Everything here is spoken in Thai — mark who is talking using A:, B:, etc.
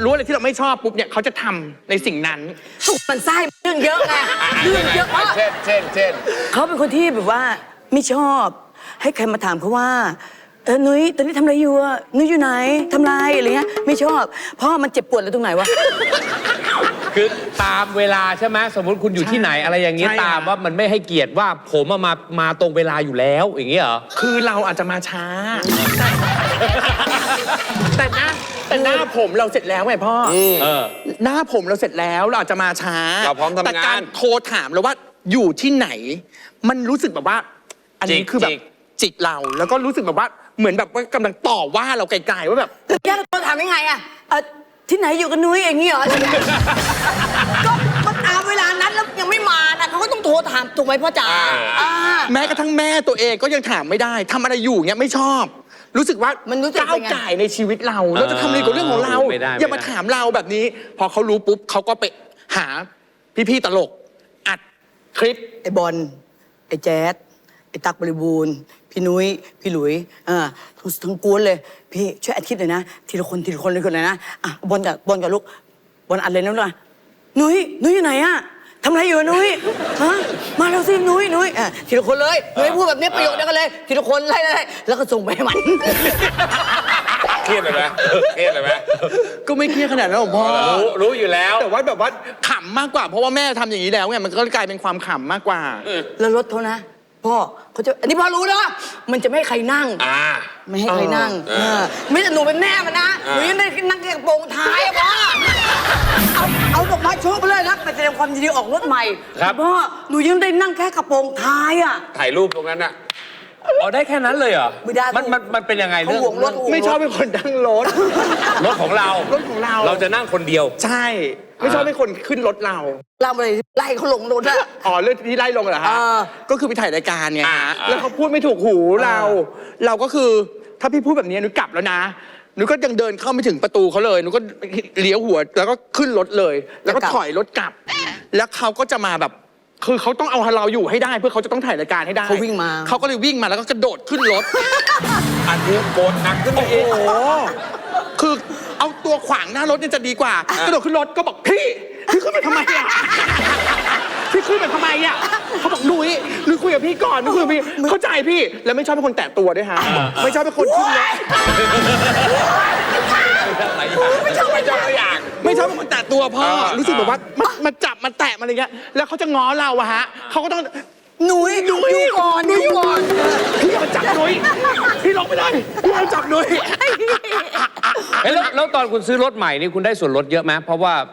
A: รู้อะไรที่เราไม่ชอบปุ๊บเนี่ยเขาจะทำในสิ่งนั้น
B: สุกมันไส้เรื่องเยอะไงเรื่องเยอะมาก
C: เช่น
B: เขาเป็นคนที่แบบว่าไม่ชอบให้ใครมาถามเขาว่านุ้ยตอนนี้ทำอะไรอยู่อะนุ้ยอยู่ไหนทำไรอะไรเงี้ยไม่ชอบเพราะมันเจ็บปวดแล้วตรงไหนวะ
C: คือตามเวลาใช่ไหมสมมติคุณอยู่ที่ไหนอะไรอย่างนี้ตามว่ามันไม่ให้เกียรติว่าผมมาตรงเวลาอยู่แล้วอย่างนี้เหรอ
A: คือเราอาจจะมาช้าแต่หน้าผมเราเสร็จแล้วไงพ่อหน้าผมเราเสร็จแล้วเราอาจจะมาช้า
C: เราพร้อมทำงาน
A: แต่การโทรถามเราว่าอยู่ที่ไหนมันรู้สึกแบบว่าอันนี้คือแบบจิกเราแล้วก็รู้สึกแบบว่าเหมือนแบบว่ากำลังต่อว่าเราไกลๆว่าแบบ
B: แกเราถามยังไงอะที่ไหนอยู่กับนุ้ยอย่างนี้เหรอก็ตามเวลานั้นแล้วยังไม่มานะเขาก็ต้องโทรถามถูกไหมพ่อจ๋า
A: แม้กระทั่งแม่ตัวเองก็ยังถามไม่ได้ทำอะไรอยู่เงี้ยไม่ชอบรู้สึกว่า
B: มันรู้สึก
A: ก้าวไก่ในชีวิตเราจะทำอะไรกับเรื่องของเราอย่ามาถามเราแบบนี้พอเขารู้ปุ๊บเขาก็ไปหาพี่ๆตลกอัดคลิป
B: ไอ้บอลไอ้แจ๊ดไอ้ตั๊กบริบูรณ์พี่นุ้ยพี่หลุยทั้งกวนเลยพี่ช่วยอัดคลิปหน่อยนะทีละคนเลยคนเลยนะบอลกับลูกบอลอัดเลยนะลูกนุ้ยอยู่ไหนอะทำอะไรอยู่นุ้ยฮะมาแล้วสินุ้ยทีละคนเลยนุ้ยพูดแบบนี้ประโยคเดียวกันเลยทีละคนไล่แล้วก็ส่งไปให้มัน
C: เครียดเลยไหม
A: ก็ไม่เครียดขนาดนั้นหรอกพ่อ
C: รู้อยู่แล้ว
A: แต่ว่าแบบว่าขำมากกว่าเพราะว่าแม่ทำอย่างนี้แล้วไงมันก็กลายเป็นความขำมากกว่า
B: แล้วรถเขานะพ่อเขาจะอันนี้พ่อรู้นะมันจะไม่ให้ใครนั่งไม่ให้ใครนั่งไม่แต่หนูเป็นแม่มันนะหนูยังได้นั่งแค่กระโปรงท้ายพ่อเอาดอกไม้โชว์ไปเลยนะไปแสดงความยินดีออกรถใหม่พ่อหนูยังได้นั่งแค่กระโปรงท้าย
C: ถ่ายรูปตรงนั้นได้แค่นั้นเลยเหรอ
B: ไม่ได้
C: มันเป็นยังไงเรื่อง
B: รถ
A: ไม่ชอบเป็นคนนั่งรถ
C: ของเราเราจะนั่งคนเดียว
A: ใช่ไม่ชอบเป็นคนขึ้นรถเรา
B: อะไรไล่เขาลงรถ
A: เรื่องที่ไล่ลงเหรอฮะก็คือไปถ่ายรายการไงฮะแล้วเขาพูดไม่ถูกหูเราก็คือถ้าพี่พูดแบบนี้หนูกลับแล้วนะหนูก็ยังเดินเข้าไม่ถึงประตูเขาเลยหนูก็เลี้ยวหัวแล้วก็ขึ้นรถเลยแล้วก็ถอยรถกลับแล้วเขาก็จะมาแบบคือเขาต้องเอาเราอยู่ให้ได้เพื่อเขาจะต้องถ่ายรายการให้ได้
B: เขาวิ่งมา
A: เขาก็เลยวิ่งมาแล้วก็กระโดดขึ้นรถ
C: อันนี้โกรธหนักขึ้นไปอีก
A: คือเอาตัวขวางหน้ารถนี่จะดีกว่ากระโดดขึ้นรถก็บอกพี่ขึ้นมาทำไมพี่ขึ้นมาทำไมเขาบอกนุ้ยคุยกับพี่ก่อนนุ้ยคุยกับพี่เข้าใจพี่แล้วไม่ชอบเป็นคนแตะตัวด้วยฮะไม่ชอบเป็นคนขึ้นรถ
C: ไม่ชอบอย่าง
A: ไม่ชอบเป็นคนแตะตัวพ่อรู้สึกแบบว่ามาจับมาแตะมาอะไรเงี้ยแล้วเขาจะง้อเราเขาก็ต้อง
B: นุ้ยก่อน
A: พี่อย่ามาจับนุ้ยพี่ลงไปเลยพี่อย่าจับนุ้ย
C: แล้วตอนคุณซื้อรถใหม่นี่คุณได้ส่วนลดเยอะไหมเพราะว่า